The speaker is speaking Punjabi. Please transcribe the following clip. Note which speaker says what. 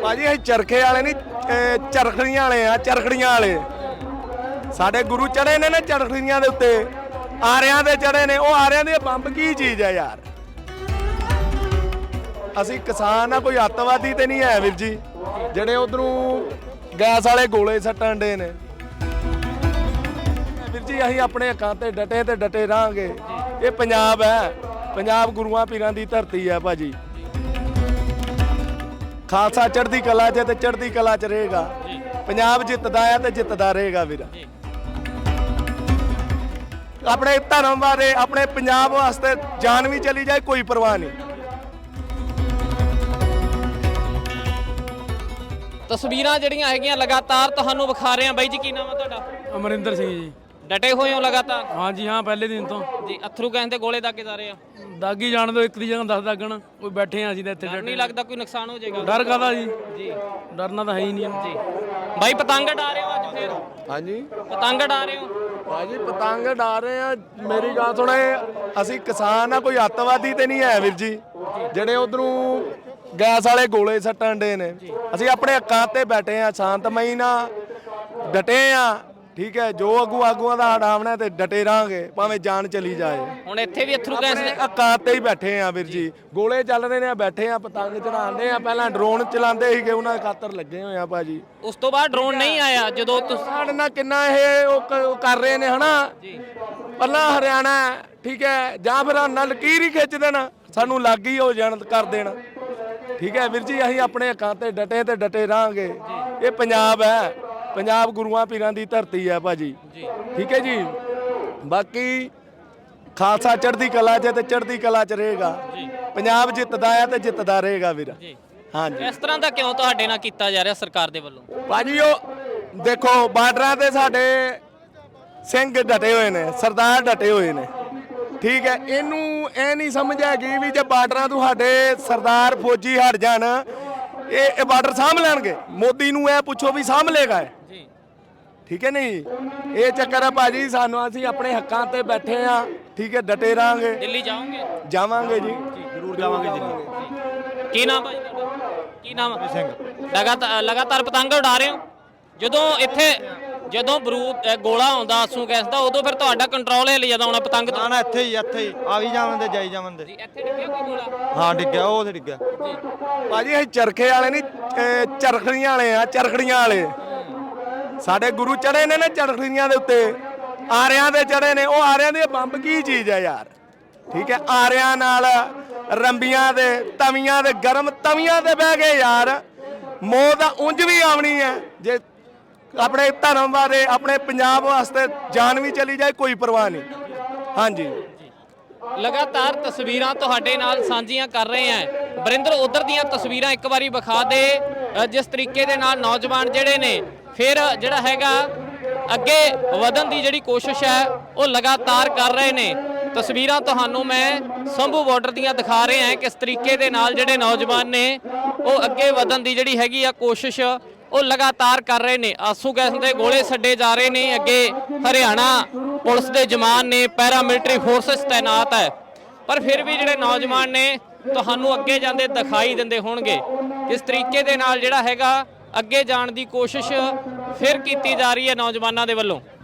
Speaker 1: ਭਾਜੀ ਅਸੀਂ ਚਰਖੇ ਵਾਲੇ ਨਹੀਂ ਚਰਖੜੀਆਂ ਵਾਲੇ ਆ, ਚਰਖੜੀਆਂ ਵਾਲੇ। ਸਾਡੇ ਗੁਰੂ ਚੜੇ ਨੇ ਨਾ ਚਰਖੜੀਆਂ ਦੇ ਉੱਤੇ, ਆਰਿਆਂ ਦੇ ਚੜੇ ਨੇ। ਉਹ ਆਰਿਆਂ ਦੇ ਬੰਬ ਕੀ ਚੀਜ਼ ਹੈ ਯਾਰ? ਅਸੀਂ ਕਿਸਾਨ ਆ, ਕੋਈ ਅੱਤਵਾਦੀ ਤੇ ਨਹੀਂ ਹੈ ਵੀਰ ਜੀ, ਜਿਹੜੇ ਉਧਰੋਂ ਗੈਸ ਵਾਲੇ ਗੋਲੇ ਸੱਟਣ ਦੇ ਨੇ। ਵੀਰ ਜੀ ਅਸੀਂ ਆਪਣੇ ਹੱਕਾਂ ਤੇ ਡਟੇ ਰਹਾਂਗੇ। ਇਹ ਪੰਜਾਬ ਹੈ, ਪੰਜਾਬ ਗੁਰੂਆਂ ਪੀਰਾਂ ਦੀ ਧਰਤੀ ਹੈ ਭਾਜੀ। ਖਾਲਸਾ ਚੜ੍ਹਦੀ ਕਲਾ 'ਚ ਤੇ ਚੜ੍ਹਦੀ ਕਲਾ 'ਚ ਰਹੇਗਾ। ਪੰਜਾਬ ਜਿੱਤਦਾ ਹੈ ਤੇ ਜਿੱਤਦਾ ਰਹੇਗਾ ਵੀਰ। ਆਪਣੇ ਧਰਮ ਬਾਰੇ, ਆਪਣੇ ਪੰਜਾਬ ਵਾਸਤੇ ਜਾਨ ਵੀ ਚਲੀ ਜਾਏ ਕੋਈ ਪਰਵਾਹ ਨਹੀਂ।
Speaker 2: ਤਸਵੀਰਾਂ ਜਿਹੜੀਆਂ ਹੈਗੀਆਂ ਲਗਾਤਾਰ ਤੁਹਾਨੂੰ ਵਿਖਾ ਰਹੇ ਹਾਂ। ਬਾਈ ਜੀ ਕੀ ਨਾਮ ਹੈ ਤੁਹਾਡਾ?
Speaker 3: ਅਮਰਿੰਦਰ ਸਿੰਘ ਜੀ।
Speaker 2: ਡਟੇ ਹੋਏ ਹੋ ਲਗਾਤਾਰ?
Speaker 3: ਹਾਂਜੀ ਹਾਂ, ਪਹਿਲੇ ਦਿਨ ਤੋਂ
Speaker 2: ਜੀ। ਅਥਰੂ ਕਹਿੰਦੇ ਤੇ ਗੋਲੇ ਦਾਗੇ ਜਾ ਰਹੇ ਆ।
Speaker 3: ਦਾਗੀ ਜਾਣ ਦੋ, ਇੱਕ ਦੀ ਜਗ੍ਹਾ 10 ਦਾਗਣ। ਕੋਈ ਬੈਠੇ ਆ ਅਸੀਂ ਤਾਂ ਇੱਥੇ।
Speaker 2: ਡਰ ਨਹੀਂ ਲੱਗਦਾ ਕੋਈ ਨੁਕਸਾਨ ਹੋ ਜਾਏਗਾ?
Speaker 3: ਡਰ ਕਾਹਦਾ ਜੀ?
Speaker 2: ਜੀ
Speaker 3: ਡਰਨਾ ਤਾਂ ਹੈ ਹੀ ਨਹੀਂ
Speaker 2: ਜੀ। ਬਾਈ ਪਤੰਗ ਉਡਾ ਰਹੇ ਹੋ ਅੱਜ ਫੇਰ?
Speaker 1: ਹਾਂਜੀ
Speaker 2: ਪਤੰਗ ਉਡਾ ਰਹੇ ਹੋ?
Speaker 1: ਭਾਜੀ ਪਤੰਗ ਉਡਾ ਰਹੇ ਆ। ਮੇਰੀ ਗੱਲ ਸੁਣੇ, ਅਸੀਂ ਕਿਸਾਨ ਆ, ਕੋਈ ਅੱਤਵਾਦੀ ਤੇ ਨਹੀਂ ਹੈ ਵੀਰ ਜੀ, ਜਿਹੜੇ ਉਧਰੋਂ ਗੈਸ ਵਾਲੇ ਗੋਲੇ ਸੱਟਣ ਦੇ ਨੇ। ਅਸੀਂ ਆਪਣੇ ਹੱਕਾਂ ਤੇ ਬੈਠੇ ਆ, ਸ਼ਾਂਤਮਈ ਨਾਲ ਡਟੇ ਆ। ਠੀਕ ਹੈ, ਜੋ ਆਗੂਆਂ ਦਾ ਹਟਾਵਣਾ ਤੇ ਡਟੇ ਰਹਾਂਗੇ ਭਾਵੇਂ ਜਾਨ ਚਲੀ ਜਾਏ।
Speaker 2: ਹੁਣ ਇੱਥੇ ਵੀ ਅਥਰੂ ਗੈਸ ਦੇ
Speaker 1: ਹੱਕਾਂ ਤੇ ਹੀ ਬੈਠੇ ਆ ਵੀਰ ਜੀ। ਗੋਲੇ ਚੱਲ ਰਹੇ ਨੇ, ਬੈਠੇ ਆ, ਪਤੰਗ ਚੜਾਉਂਦੇ ਆ। ਪਹਿਲਾਂ ਡਰੋਨ ਚਲਾਉਂਦੇ ਸੀਗੇ, ਉਹਨਾਂ ਦੇ ਖਾਤਰ ਲੱਗੇ ਹੋਏ ਆ ਭਾਜੀ।
Speaker 2: ਉਸ ਤੋਂ ਬਾਅਦ ਡਰੋਨ ਨਹੀਂ ਆਇਆ ਜਦੋਂ ਤੁਸੀਂ
Speaker 1: ਸਾਡੇ ਨਾਲ ਕਿੰਨਾ ਇਹ ਉਹ ਕਰ ਰਹੇ ਨੇ ਹਨਾ। ਪਹਿਲਾਂ ਹਰਿਆਣਾ ਠੀਕ ਹੈ, ਜਾਂ ਫਿਰ ਨਾਲ ਲਕੀਰ ਹੀ ਖਿੱਚ ਦੇਣਾ, ਸਾਨੂੰ ਲੱਗ ਹੀ ਹੋ ਜਾਣ ਕਰ ਦੇਣਾ। ਠੀਕ ਹੈ ਵੀਰ ਜੀ, ਅਸੀਂ ਆਪਣੇ ਹੱਕਾਂ ਤੇ ਡਟੇ ਰਹਾਂਗੇ। ਇਹ ਪੰਜਾਬ ਹੈ, ਪੰਜਾਬ ਗੁਰੂਆਂ ਪੀਰਾਂ ਦੀ ਧਰਤੀ ਹੈ ਭਾਜੀ। ਠੀਕ ਹੈ ਜੀ। ਬਾਕੀ ਖਾਲਸਾ ਚੜ੍ਹਦੀ ਕਲਾ 'ਚ ਤੇ ਚੜ੍ਹਦੀ ਕਲਾ 'ਚ ਰਹੇਗਾ। ਪੰਜਾਬ ਜਿੱਤਦਾ ਹੈ ਤੇ ਜਿੱਤਦਾ ਰਹੇਗਾ ਵੀਰ। ਹਾਂਜੀ।
Speaker 2: ਇਸ ਤਰ੍ਹਾਂ ਦਾ ਕਿਉਂ ਤੁਹਾਡੇ ਨਾਲ ਕੀਤਾ ਜਾ ਰਿਹਾ ਸਰਕਾਰ ਦੇ ਵੱਲੋਂ?
Speaker 1: ਭਾਜੀ ਉਹ ਦੇਖੋ, ਬਾਰਡਰਾਂ ਤੇ ਸਾਡੇ ਸਿੰਘ ਡਟੇ ਹੋਏ ਨੇ, ਸਰਦਾਰ ਡਟੇ ਹੋਏ ਨੇ। ਠੀਕ ਹੈ, ਇਹਨੂੰ ਇਹ ਨਹੀਂ ਸਮਝ ਹੈਗੀ ਵੀ ਜੇ ਬਾਰਡਰਾਂ ਤੋਂ ਸਾਡੇ ਸਰਦਾਰ ਫੌਜੀ ਹਟ ਜਾਣ, ਇਹ ਬਾਰਡਰ ਸਾਂਭ ਲੈਣਗੇ। ਮੋਦੀ ਨੂੰ ਇਹ ਪੁੱਛੋ ਵੀ ਸਾਂਭ ਲੇਗਾ ਇਹ? ਠੀਕ ਹੈ ਨਹੀਂ, ਇਹ ਚੱਕਰ ਹੈ ਭਾਜੀ। ਸਾਨੂੰ ਅਸੀਂ ਆਪਣੇ ਹੱਕਾਂ ਤੇ ਬੈਠੇ ਆ। ਠੀਕ ਹੈ, ਡਟੇ ਰਹਾਂਗੇ।
Speaker 2: ਦਿੱਲੀ ਜਾਓਗੇ?
Speaker 1: ਜਾਵਾਂਗੇ ਜੀ,
Speaker 4: ਜ਼ਰੂਰ ਜਾਵਾਂਗੇ ਦਿੱਲੀ।
Speaker 2: ਕੀ ਨਾਮ ਭਾਈ ਤੁਹਾਡਾ? ਕੀ ਨਾਮ? ਸਿੰਘ। ਲਗਾਤਾਰ ਪਤੰਗ ਉਡਾ ਰਹੇ ਹੋ। ਜਦੋਂ ਬਰੂਦ ਗੋਲਾ ਆਉਂਦਾ ਆਸੂ ਗੈਸ ਦਾ, ਉਦੋਂ ਫਿਰ ਤੁਹਾਡਾ ਕੰਟਰੋਲ ਹਿੱਲ ਜਾਂਦਾ ਹੋਣਾ ਪਤੰਗ ਤੋਂ?
Speaker 4: ਨਾ ਇੱਥੇ ਹੀ ਆ ਵੀ ਜਾਵਣ ਜਾਈ ਜਾਵਣ ਦੇ।
Speaker 2: ਇੱਥੇ ਡਿੱਗਿਆ ਕੋਈ ਗੋਲਾ?
Speaker 4: ਹਾਂ ਡਿੱਗਿਆ, ਉਹ ਤੇ ਡਿੱਗਿਆ।
Speaker 1: ਭਾਜੀ ਅਸੀਂ ਚਰਖੇ ਵਾਲੇ ਨਹੀਂ ਚਰਖੜੀਆਂ ਵਾਲੇ ਆ, ਚਰਖੜੀਆਂ ਵਾਲੇ। ਸਾਡੇ ਗੁਰੂ ਚੜੇ ਨੇ ਨਾ ਚਰਖੜੀਆਂ ਦੇ ਉੱਤੇ, ਆਰਿਆਂ ਦੇ ਚੜੇ ਨੇ। ਉਹ ਆਰਿਆਂ ਦੇ ਬੰਬ ਕੀ ਚੀਜ਼ ਹੈ ਯਾਰ? ਠੀਕ ਹੈ, ਆਰਿਆਂ ਨਾਲ ਰੰਬੀਆਂ ਦੇ ਤਵੀਆਂ ਦੇ, ਗਰਮ ਤਵੀਆਂ ਤੇ ਬਹਿ ਗਏ ਯਾਰ। ਮੌਤ ਤਾਂ ਉਂਝ ਵੀ ਆਉਣੀ ਹੈ। ਜੇ ਆਪਣੇ ਧਰਮ ਬਾਰੇ, ਆਪਣੇ ਪੰਜਾਬ ਵਾਸਤੇ ਜਾਨ ਵੀ ਚਲੀ ਜਾਏ ਕੋਈ ਪਰਵਾਹ ਨਹੀਂ। ਹਾਂਜੀ।
Speaker 2: ਲਗਾਤਾਰ ਤਸਵੀਰਾਂ ਤੁਹਾਡੇ ਨਾਲ ਸਾਂਝੀਆਂ ਕਰ ਰਹੇ ਹਾਂ। ਵਰਿੰਦਰ, ਉਧਰ ਦੀਆਂ ਤਸਵੀਰਾਂ ਇੱਕ ਵਾਰੀ ਵਿਖਾ ਦੇ। ਜਿਸ ਤਰੀਕੇ ਦੇ ਨਾਲ ਨੌਜਵਾਨ ਜਿਹੜੇ ਨੇ ਫਿਰ ਜਿਹੜਾ ਹੈਗਾ ਅੱਗੇ ਵਧਣ ਦੀ ਜਿਹੜੀ ਕੋਸ਼ਿਸ਼ ਹੈ ਉਹ ਲਗਾਤਾਰ ਕਰ ਰਹੇ ਨੇ। ਤਸਵੀਰਾਂ ਤੁਹਾਨੂੰ ਮੈਂ ਸੰਭੂ ਬਾਰਡਰ ਦੀਆਂ ਦਿਖਾ ਰਹੇ ਹਾਂ। ਕਿਸ ਤਰੀਕੇ ਦੇ ਨਾਲ ਜਿਹੜੇ ਨੌਜਵਾਨ ਨੇ ਉਹ ਅੱਗੇ ਵਧਣ ਦੀ ਜਿਹੜੀ ਹੈਗੀ ਆ ਕੋਸ਼ਿਸ਼ ਉਹ ਲਗਾਤਾਰ ਕਰ ਰਹੇ ਨੇ। ਆਸੂ ਗੈਸ ਦੇ ਗੋਲੇ ਛੱਡੇ ਜਾ ਰਹੇ ਨੇ। ਅੱਗੇ ਹਰਿਆਣਾ ਪੁਲਿਸ ਦੇ ਜਵਾਨ ਨੇ, ਪੈਰਾਮਿਲਟਰੀ ਫੋਰਸਸ ਤੈਨਾਤ ਹੈ, ਪਰ ਫਿਰ ਵੀ ਜਿਹੜੇ ਨੌਜਵਾਨ ਨੇ ਤੁਹਾਨੂੰ ਅੱਗੇ ਜਾਂਦੇ ਦਿਖਾਈ ਦਿੰਦੇ ਹੋਣਗੇ। ਕਿਸ ਤਰੀਕੇ ਦੇ ਨਾਲ ਜਿਹੜਾ ਹੈਗਾ ਅੱਗੇ ਜਾਣ ਦੀ ਕੋਸ਼ਿਸ਼ ਫਿਰ ਕੀਤੀ ਜਾ ਰਹੀ ਹੈ ਨੌਜਵਾਨਾਂ ਦੇ ਵੱਲੋਂ।